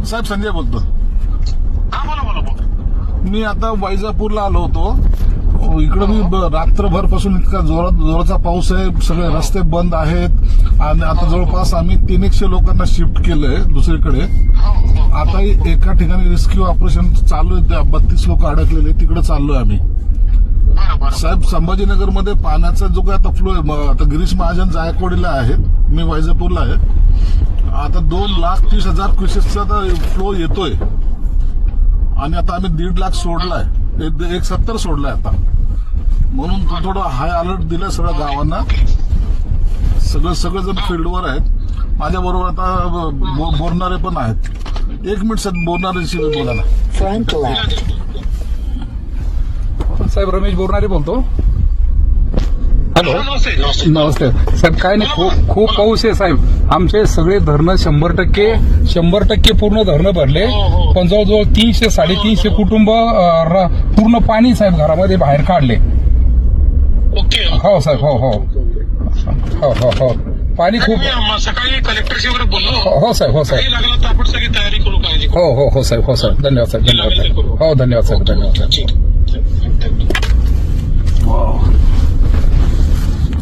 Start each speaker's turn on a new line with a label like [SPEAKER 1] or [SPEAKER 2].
[SPEAKER 1] साहेब संजय बोलतो.
[SPEAKER 2] हा बोला.
[SPEAKER 1] मी आता वैजापूरला आलो होतो. इकडे मी रात्रभर पासून इतका जोराचा पाऊस आहे. सगळे रस्ते बंद आहेत आणि आता जवळपास आम्ही 300 लोकांना शिफ्ट केलंय दुसरीकडे. आता एका ठिकाणी रेस्क्यू ऑपरेशन चालू आहे. 32 लोक अडकलेले, तिकडे चाललोय आम्ही. साहेब संभाजीनगरमध्ये पाण्याचा जो काय आता फ्लो आहे, आता गिरीश महाजन जायकवाडीला आहेत, मी वैजापूरला आहे. आता 2,30,000 क्युसेसचा फ्लो येतोय आणि आता आम्ही 1.5 लाख सोडलाय, 170 सोडलाय आता. म्हणून थोडं हाय अलर्ट दिलाय सगळ्या गावांना. सगळेजण फील्डवर आहेत. माझ्या बरोबर आता बोलणारे पण आहेत. 1 मिनिट साहेब, बोलणाऱ्यांशी बोला ना.
[SPEAKER 3] साहेब रमेश बोरणारे बोलतो. हॅलो नमस्ते साहेब. काय नाही, खूप पाऊस आहे साहेब. आमचे सगळे धरणं 100% पूर्ण धरणं भरले, पण जवळजवळ 300-350 कुटुंब पूर्ण पाणी साहेब घरामध्ये बाहेर काढले.
[SPEAKER 2] ओके.
[SPEAKER 3] हो साहेब. हो पाणी खूप.
[SPEAKER 2] सकाळी कलेक्टरशी वगैरे बोललो.
[SPEAKER 3] हो साहेब.
[SPEAKER 2] लागला तर आपण सगळी तयारी करू. काळजी.
[SPEAKER 3] हो साहेब. धन्यवाद साहेब. हो धन्यवाद साहेब. धन्यवाद.